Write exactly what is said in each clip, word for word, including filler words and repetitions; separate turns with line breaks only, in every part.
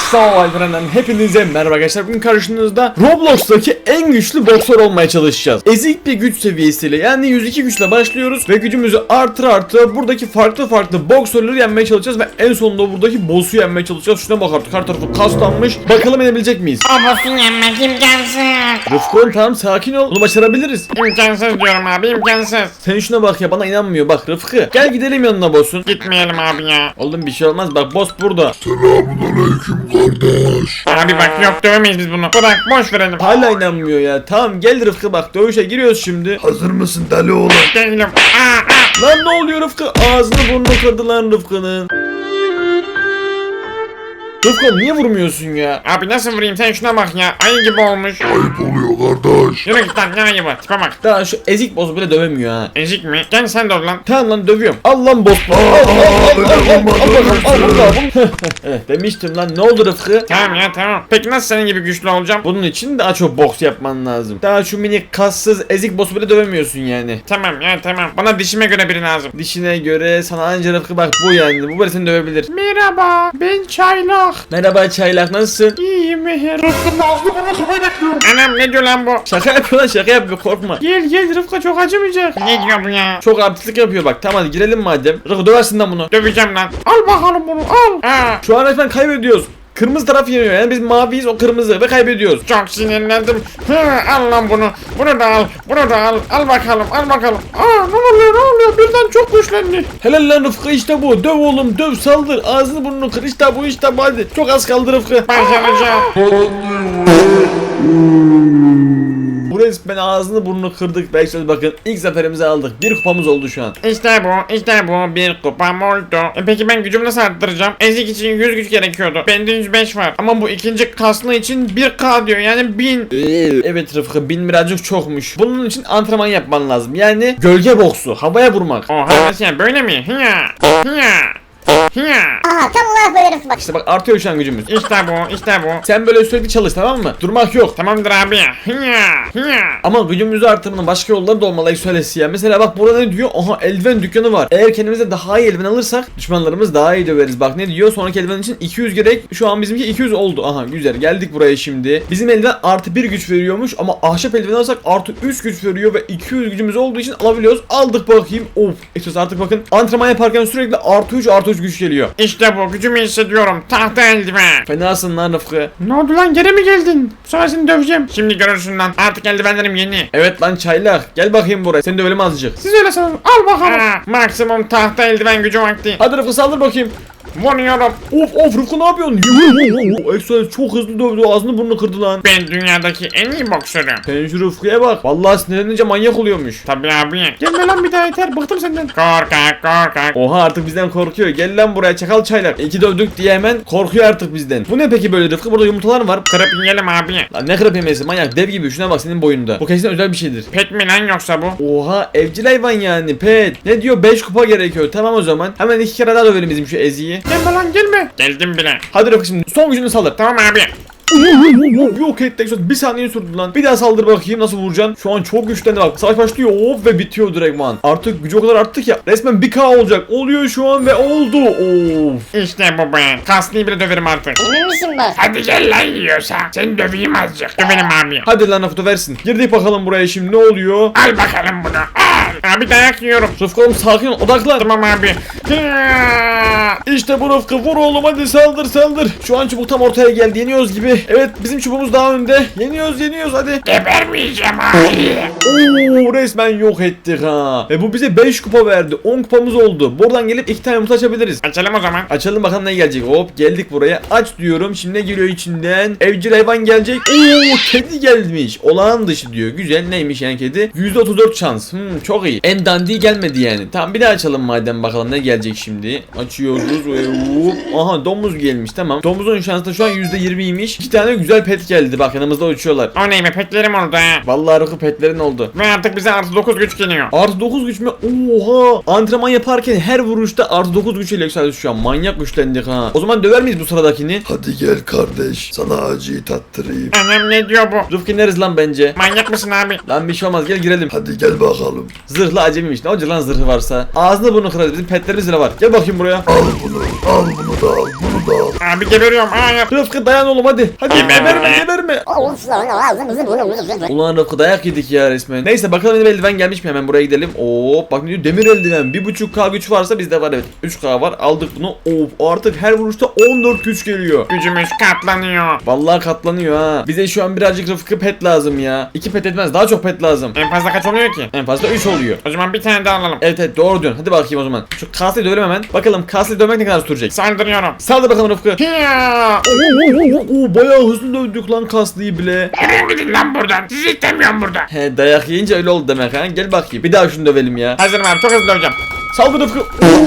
Survivor'dan hepinize merhaba arkadaşlar. Bugün karşınızda Roblox'taki en güçlü boksör olmaya çalışacağız. Ezik bir güç seviyesiyle, yani yüz iki güçle başlıyoruz ve gücümüzü artır artır buradaki farklı farklı boksörleri yenmeye çalışacağız ve en sonunda buradaki boss'u yenmeye çalışacağız. Şuna bak artık, her tarafı kaslanmış. Bakalım yenebilecek miyiz?
O boss'u yenmek imkansız.
Rıfkı, tamam sakin ol. Bunu başarabiliriz.
İmkansız diyorum abi, imkansız.
Sen şuna bak ya, bana inanmıyor. Bak Rıfkı, gel gidelim yanına boss'un.
Gitmeyelim abi ya.
Oğlum bir şey olmaz, bak boss burada.
Selamünaleyküm kardeş.
Abi bak, yok dövemeyiz biz bunu. Bırak, boş verelim.
Hala inanmıyor ya. Tamam gel Rıfkı, bak dövüşe giriyoruz şimdi.
Hazır mısın deli oğlan?
Değilim. Aa, aa.
Lan ne oluyor Rıfkı? Ağzını burnunu kırdı lan Rıfkı'nın. Rıfkı niye vurmuyorsun ya?
Abi nasıl vurayım, sen şuna bak ya. Ayı gibi olmuş.
Ayıp oluyor kardeş.
Yürü git lan, ne ayı bu? Tipe bak.
Daha şu ezik boss'u bile dövemiyor ha.
Ezik mi? Gel sen döv lan.
Tamam lan, dövüyorum. Al lan boss. Al al al al al al al al. Evet, demiştim lan, ne oldu Rıfkı?
Tamam ya, tamam. Peki nasıl senin gibi güçlü olacağım?
Bunun için daha çok boks yapman lazım. Daha şu minik kassız ezik boss'u bile dövemiyorsun yani.
Tamam ya, tamam. Bana dişime göre biri lazım.
Dişine göre sana anca Rıfkı bak bu yani. Bu böyle seni dövebilir.
Merhaba, ben Çaylak.
Merhaba Çaylak, nasılsın?
İyiyim Meher. Anam ne diyor lan bu?
Şaka yapıyor lan, şaka yapıyor, korkma.
Gel gel, Rıfkı çok acımayacak. Ne diyor bu ya?
Çok artistlik yapıyor bak. Tamam hadi girelim madem. Rıfkı döversin lan bunu.
Döveceğim lan. Al bakalım bunu, al. Aa,
Şu an resmen kaybediyoruz. Kırmızı taraf yeniyor, yani biz maviyiz, o kırmızı ve kaybediyoruz.
çok sinirlendim. Hı, al lan bunu. Bunu da al. Bunu da al. Al bakalım, al bakalım. Aa, ne oluyor, ne oluyor? Birden çok güçlendi.
Helal lan Rıfkı, işte bu. Döv oğlum, döv, saldır. Ağzını burnunu kır, işte bu, işte bu, hadi. Çok az kaldı Rıfkı.
Başaracağım.
Bu resmen ağzını burnunu kırdık. Belki söz bakın, ilk zaferimizi aldık. Bir kupamız oldu şu an.
İşte bu, işte bu. Bir kupam oldu. E peki ben gücümü nasıl arttıracağım? Ezik için yüz güç gerekiyordu. Bende yüz beş var. Ama bu ikinci kaslı için bir K diyor. Yani bin.
Evet Rıfkı, bin birazcık çokmuş. Bunun için antrenman yapman lazım. Yani gölge boksu, havaya vurmak.
Oha, nasıl yani, böyle mi? Hiya. Hiya. Hiya.
Aha tam olarak böyle Rıfkı bak.
İşte bak, artıyor şu an gücümüz.
İşte bu, işte bu.
Sen böyle sürekli çalış, tamam mı? Durmak yok.
Tamamdır abi. Hiya. Hiya.
Ama gücümüzü artırmanın başka yolları da olmalı söylesi ya. Mesela bak burada ne diyor? Aha, eldiven dükkanı var. Eğer kendimize daha iyi eldiven alırsak düşmanlarımız daha iyi döveriz. Bak ne diyor? Sonraki eldiven için iki yüz gerek. Şu an bizimki iki yüz oldu. Aha güzel, geldik buraya şimdi. Bizim eldiven artı bir güç veriyormuş ama ahşap eldiven alırsak artı üç güç veriyor ve iki yüz gücümüz olduğu için alabiliyoruz. Aldık bakayım. Of. İşte artık bakın, antrenman yaparken sürekli artı üç artı üç güç geliyor.
İşte bu, gücümü hissediyorum. Tahta eldiven.
Fenasın lan Rıfkı.
Ne oldu lan, geri mi geldin? Bu sefer seni döveceğim. Şimdi görürsün lan. Artık eldivenlerim yeni.
Evet lan Çaylak. Gel bakayım buraya. Seni dövelim azıcık.
Siz öyle sanın. Al bakalım. Aa, maksimum tahta eldiven gücü vakti.
Hadi Rıfkı, saldır bakayım.
Vuruyorum.
Of of Rıfkı, ne yapıyorsun? Ekstra çok hızlı dövdü, ağzını burnunu kırdı lan.
Ben dünyadaki en iyi boksörüm.
Sen şu Rıfkı'ya bak. Vallahi sinirlenince manyak oluyormuş.
Tabii abi. Gelme lan bir daha, yeter. Bıktım senden. Korkak korkak.
Oha, artık bizden korkuyor. Gel lan buraya çakal Çaylak. İki dövdük diye hemen korkuyor artık bizden. Bu ne peki böyle Rıfkı? Burada yumurtalar var.
Kırıp yiyelim abi.
Lan ne kırıp yemesi, manyak dev gibi. Şuna bak, senin boyunda. Bu kesin özel bir şeydir.
Pet mi lan yoksa bu?
Oha, evcil hayvan yani, pet. Ne diyor? beş kupa gerekiyor. Tamam o zaman. Hemen iki kere daha dövelim bizim şu eziyi.
Gelme lan, gelme. Geldim bile.
Hadi Rıfkı, şimdi son gücünü saldır.
Tamam abi.
Yok ettik, bir saniye sürdü lan. Bir daha saldır bakayım, nasıl vuracaksın? Şu an çok güçlendi bak. Savaş başlıyor, of, ve bitiyor direktman. Artık gücü o kadar arttı ki resmen bir K olacak. Oluyor şu an ve oldu. Of.
İşte bu be. Kaslıyı bile döverim artık.
Emin misin bak?
Hadi gel lan yiyorsa. Seni döveyim azıcık. Dövelim abi.
Hadi lan Rıfkı, versin. Girdik bakalım buraya şimdi, ne oluyor?
Al bakalım bunu. Al. Abi dayak yiyorum.
Rıfkı oğlum, sakin ol, odaklan.
Tamam abi. Hiya.
İşte bu Rıfkı, vur oğlum, hadi saldır saldır. Şu an çubuk tam ortaya geldi, yeniyoruz gibi. Evet, bizim çubuğumuz daha önde. Yeniyoruz yeniyoruz hadi.
Gebermeyeceğim abi.
Oo, resmen yok ettik ha. Ve bu bize beş kupa verdi. on kupamız oldu. Buradan gelip iki tane yumurta açabiliriz.
Açalım o zaman.
Açalım bakalım ne gelecek. Hop, geldik buraya. Aç diyorum. Şimdi ne geliyor içinden? Evcil hayvan gelecek. Oo, kedi gelmiş. Olağan dışı diyor. Güzel, neymiş yani kedi? yüzde otuz dört şans. Hmm, çok iyi. En dandiği gelmedi yani. Tamam, bir daha açalım madem, bakalım ne gelecek şimdi. Açıyoruz. Hop. Aha, domuz gelmiş, tamam. Domuzun şansı da şu an yüzde yirmiymiş. İki tane güzel pet geldi. Bak, yanımızda uçuyorlar.
O neyme, petlerim oldu ha.
Vallahi Rıfkı, petlerin oldu.
Ve artık bize artı dokuz güç geliyor.
Artı dokuz güç mü? Oha! Antrenman yaparken her vuruşta artı dokuz güç ile yükseldi şu an. Manyak güçlendik ha. O zaman döver miyiz bu sıradakini?
Hadi gel kardeş, sana acıyı tattırayım.
Annem ne diyor bu?
Rıfkı ineriz lan bence.
Manyak mısın abi?
Lan bir şey olmaz, gel girelim.
Hadi gel bakalım.
Zırhlı acemiymiş. Ne olacak lan zırhı varsa? Ağzını burnunu kırarız. Bizim petlerimiz bile var. Gel bakayım buraya.
Al bunu. Al bunu da al, bunu da al.
Abi geberiyorum. Hayır.
Rıfkı dayan oğlum hadi. Hadi
Geberme.
geberme geberme. Ulan Rıfkı dayak yedik ya resmen. Neyse bakalım benim eldiven gelmiş mi, hemen buraya gidelim. Oo bak ne diyor, demir eldiven. bir buçuk K güç varsa bizde var, evet. üç K var, aldık bunu. Of artık her vuruşta on dört güç geliyor.
Gücümüz katlanıyor.
Vallahi katlanıyor ha. Bize şu an birazcık Rıfkı pet lazım ya. iki pet etmez, daha çok pet lazım.
En fazla kaç oluyor ki?
En fazla üç oluyor.
O zaman bir tane daha alalım.
Evet evet doğru diyorsun. Hadi bakayım o zaman. Şu kasayı dövelim hemen. Bakalım kasayı dövmek ne kadar sürecek.
Saldırıyorum.
Saldır bakalım Rıfkı.
Hiya!
Oo, oo, oo, oo, bayağı hızlı dövdük lan kaslıyı bile.
Yürüyün gidin lan buradan. Sizi istemiyorum burada.
He dayak yiyince öyle oldu demek ha. Gel bakayım. Bir daha şunu dövelim ya.
Hazırım abi, çok hızlı döveceğim.
Saldır Rıfkı.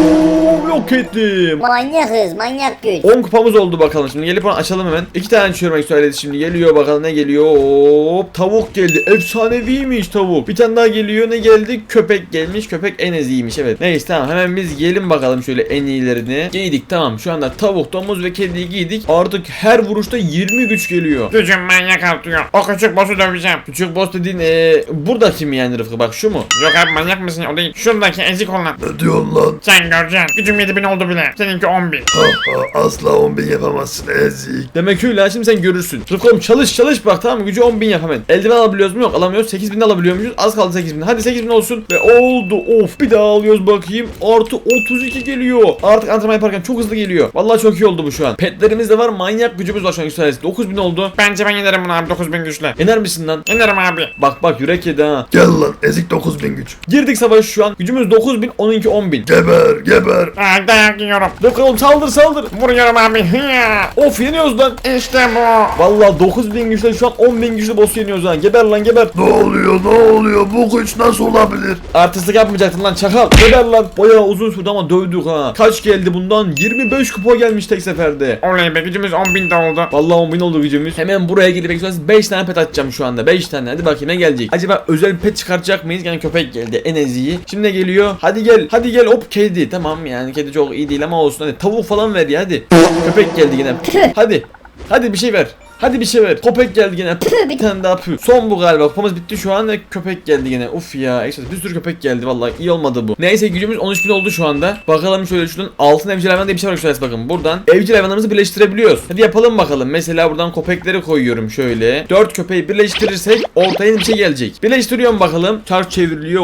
Oo, yok ettim.
Manyakız, manyak güç.
on kupamız oldu bakalım. Şimdi gelip onu açalım hemen. İki tane çürümek söyledi şimdi. Geliyor bakalım ne geliyor. Hop tavuk geldi. Efsaneviymiş tavuk. Bir tane daha geliyor. Ne geldi? Köpek gelmiş. Köpek en eziymiş evet. Neyse tamam hemen biz yiyelim bakalım şöyle en iyilerini. Giydik tamam. Şu anda tavuk, domuz ve kediyi giydik. Artık her vuruşta yirmi güç geliyor.
Gücüm manyak artıyor. O küçük boss'u döveceğim.
Küçük boss dediğin eee buradaki mi yani Rıfkı? Bak şu mu?
Yok abi, manyak mısın? O değil. Şuradaki ezik olan.
Ne diyorsun lan?
Sen göreceksin. Gücüm yedi bin oldu bile. Seninki on bin.
Ha ha, asla on bin yapamazsın ezik.
Demek öyle ha, şimdi sen görürsün. Rıfkı oğlum çalış çalış bak tamam mı? Gücü on bin yap hemen. Eldiven alabiliyoruz mu? Yok alamıyoruz. sekiz bin alabiliyormuşuz. Az kaldı sekiz bin. Hadi sekiz bin olsun. Ve oldu. Of bir daha alıyoruz bakayım. Artı otuz iki geliyor. Artık antrenman yaparken çok hızlı geliyor. Vallahi çok iyi oldu bu şu an. Petlerimiz de var. Manyak gücümüz var şu an yükselesi. dokuz bin oldu.
Bence ben yenerim bunu abi, dokuz bin güçle.
Yener misin lan?
Yenerim abi.
Bak bak yürek yedi ha.
Gel lan ezik dokuz bin güç.
Girdik savaş şu an. Gücümüz dokuz bin. Onunki on bin.
Geber geber.
Aa, dayak yiyorum.
Rıfkı oğlum saldır saldır.
Vuruyorum abi. Hiya!
Of yeniyoruz lan.
İşte bu.
Vallahi dokuz bin güçle şu an on bin güçle boss yeniyoruz ha. Geber lan geber.
Ne oluyor ne oluyor bu güç nasıl olabilir?
Artistlik yapmayacaktın lan çakal. Geber lan. Bayağı uzun sürdü ama dövdük ha. Kaç geldi bundan? yirmi beş kupa gelmiş tek seferde.
Oley be, gücümüz on bin de oldu.
Vallahi on bin oldu gücümüz. Hemen buraya gidip beş tane pet atacağım şu anda. beş tane. Hadi bakayım ne gelecek? Acaba özel bir pet çıkartacak mıyız? Yani köpek geldi. En eziği. Şimdi ne geliyor? Hadi gel. Hadi gel. Hop kedi. Tamam yani kedi çok iyi değil ama olsun. Hadi tavuk falan ver ya hadi. Köpek geldi yine. Hadi. Hadi bir şey ver. Hadi bir şey ver. Köpek geldi yine. Bir tane daha pü. Son bu galiba. Kupamız bitti şu an ve köpek geldi yine. Uf ya. Ekstra bir sürü köpek geldi vallahi. İyi olmadı bu. Neyse gücümüz on üç bin oldu şu anda. Bakalım şöyle şuradan altın evcil hayvan diye bir şey var şöyle bakın. Buradan evcil hayvanlarımızı birleştirebiliyoruz. Hadi yapalım bakalım. Mesela buradan köpekleri koyuyorum şöyle. dört köpeği birleştirirsek ortaya bir şey gelecek. Birleştiriyorum bakalım. Çark çevriliyor.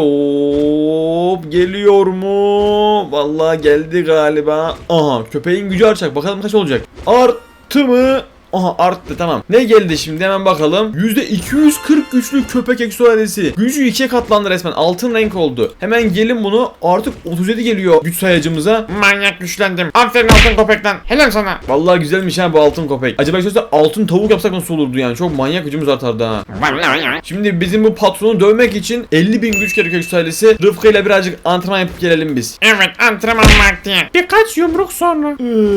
Hop geliyor mu? Vallahi geldi galiba. Aha köpeğin gücü artacak. Bakalım kaç olacak. Arttı mı? Aha arttı tamam. Ne geldi şimdi hemen bakalım. yüzde iki yüz kırk güçlü köpek eksualesi. Gücü ikiye katlandı resmen. Altın renk oldu. Hemen gelin bunu artık otuz yedi geliyor güç sayacımıza.
Manyak güçlendim. Aferin altın köpekten. Helal sana.
Vallahi güzelmiş ha bu altın köpek. Acaba şöyle altın tavuk yapsak nasıl olurdu yani? Çok manyak gücümüz artardı ha. Şimdi bizim bu patronu dövmek için elli bin güç gerekiyor eksualesi. Rıfkı ile birazcık antrenman yapıp gelelim biz.
Evet, antrenman vakti. Birkaç yumruk sonra.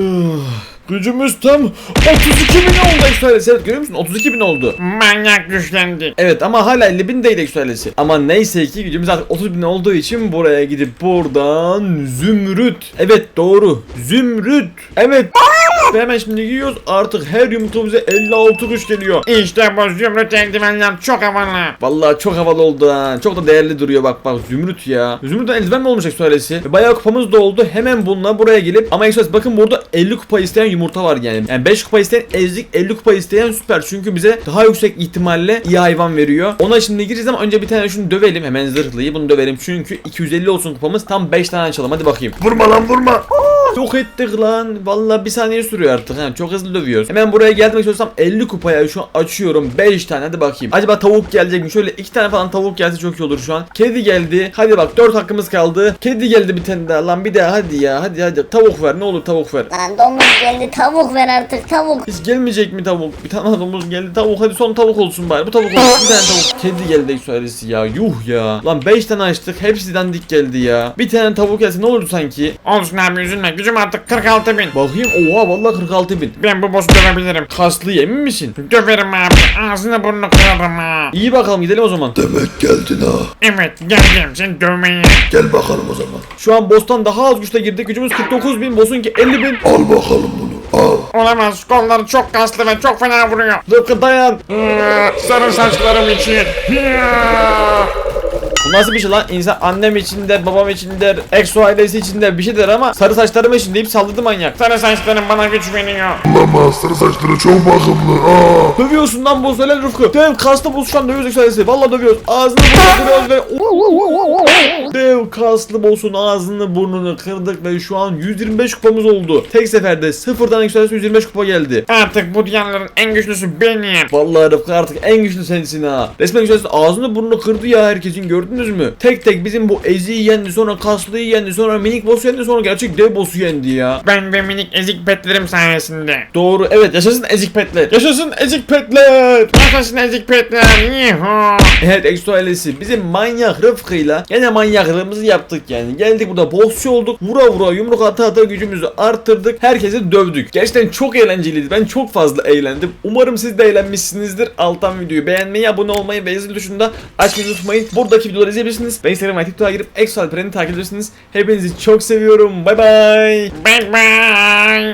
Gücümüz tam otuz iki bin oldu eksualesi. Evet görüyor musun? otuz iki bin oldu.
Manyak güçlendi.
Evet ama hala elli bin değil eksualesi. Ama neyse ki gücümüz artık otuz bin olduğu için buraya gidip buradan zümrüt. Evet doğru. Zümrüt. Evet. Ve hemen şimdi giyiyoruz. Artık her yumurtamıza elli altı güç geliyor.
İşte bu zümrüt eldivenler çok havalı.
Vallahi çok havalı oldu ha. Çok da değerli duruyor bak bak zümrüt ya. Zümrütten eldiven mi olmuş eksualesi? Ve bayağı kupamız da oldu. Hemen bununla buraya gelip ama eksualesi bakın burada elli kupa isteyen yumurta var yani. Yani beş kupa isteyen ezik, elli kupa isteyen süper. Çünkü bize daha yüksek ihtimalle iyi hayvan veriyor. Ona şimdi gireceğiz ama önce bir tane şunu dövelim. Hemen zırhlıyı bunu dövelim. Çünkü iki yüz elli olsun kupamız. Tam beş tane açalım. Hadi bakayım.
Vurma lan vurma.
Yok ettik lan. Vallahi bir saniye sürüyor artık. Ha. Çok hızlı dövüyoruz. Hemen buraya gelmek istiyorsam elli kupaya şu an açıyorum. beş tane hadi bakayım. Acaba tavuk gelecek mi? Şöyle iki tane falan tavuk gelse çok iyi olur şu an. Kedi geldi. Hadi bak dört hakkımız kaldı. Kedi geldi bir tane daha. Lan bir daha hadi ya. Hadi hadi. Tavuk ver. Ne olur tavuk ver.
Lan domuz geldi, tavuk ver artık, tavuk.
Hiç gelmeyecek mi tavuk? Bir tane domuz geldi. Tavuk hadi son tavuk olsun bari. Bu tavuk olsun. Bir tane tavuk. Kedi geldi eksualesi ya. Yuh ya. Lan beş tane açtık. Hepsi dandik geldi ya. Bir tane tavuk gelse ne olurdu sanki?
Olsun abi, üzülme. Gücüm artık kırk altı bin.
Bakayım. Oha vallahi kırk altı bin.
Ben bu boss'u dövebilirim.
Kaslı emin misin?
Döverim abi. Ağzını burnunu kırarım ha.
İyi bakalım gidelim o zaman.
Demek geldin ha.
Evet, geldim seni dövmeye.
Gel bakalım o zaman.
Şu an boss'tan daha az güçle girdik. Gücümüz kırk dokuz bin. Boss'unki elli bin.
Al bakalım bunu al.
Olamaz. Kolları çok kaslı ve çok fena vuruyor.
Rıfkı dayan.
Ee, Sarı saçlarım için. Hiya!
Bu nasıl bir şey lan? İnsan annem için der, babam için der, Exo ailesi için der, bir şey der ama sarı saçlarım için deyip saldırdı manyak.
Sarı saçlarım bana güç veriyor.
Olamaz. Sarı saçları çok bakımlı. Aa.
Dövüyorsun lan boss, helal Rıfkı. Dev kaslı boss şu an dövüyoruz Exo ailesi. Valla dövüyoruz. Ağzını burnunu kırıyoruz ve dev kaslı boss'un ağzını burnunu kırdık ve şu an yüz yirmi beş kupamız oldu. Tek seferde sıfırdan Exo ailesi yüz yirmi beş kupa geldi.
Artık bu diyarların en güçlüsü benim.
Vallahi Rıfkı artık en güçlü sensin ha. Resmen Exo ailesi ağzını burnunu kırdı ya herkesin, gördünüz mü? Tek tek bizim bu Ezi'yi yendi, sonra kaslıyı yendi, sonra minik boss'u yendi, sonra gerçek dev boss'u yendi ya.
Ben ve minik ezik petlerim sayesinde.
Doğru, evet, yaşasın ezik petler. Yaşasın ezik petler.
Yaşasın ezik petler. Yuhu.
Evet Exo ailesi, bizim manyak Rıfkı'yla gene manyaklığımızı yaptık yani. Geldik burada bossçu olduk. Vura vura yumruk ata ata gücümüzü arttırdık. Herkesi dövdük. Gerçekten çok eğlenceliydi. Ben çok fazla eğlendim. Umarım siz de eğlenmişsinizdir. Alttan videoyu beğenmeyi, abone olmayı ve zil tuşunda açmayı unutmayın. Buradaki videoları izleyebilirsiniz. Ve Instagram ve TikTok'a girip Exo Alperen'i takip edebilirsiniz. Hepinizi çok seviyorum. Bay bay.
Bye bye.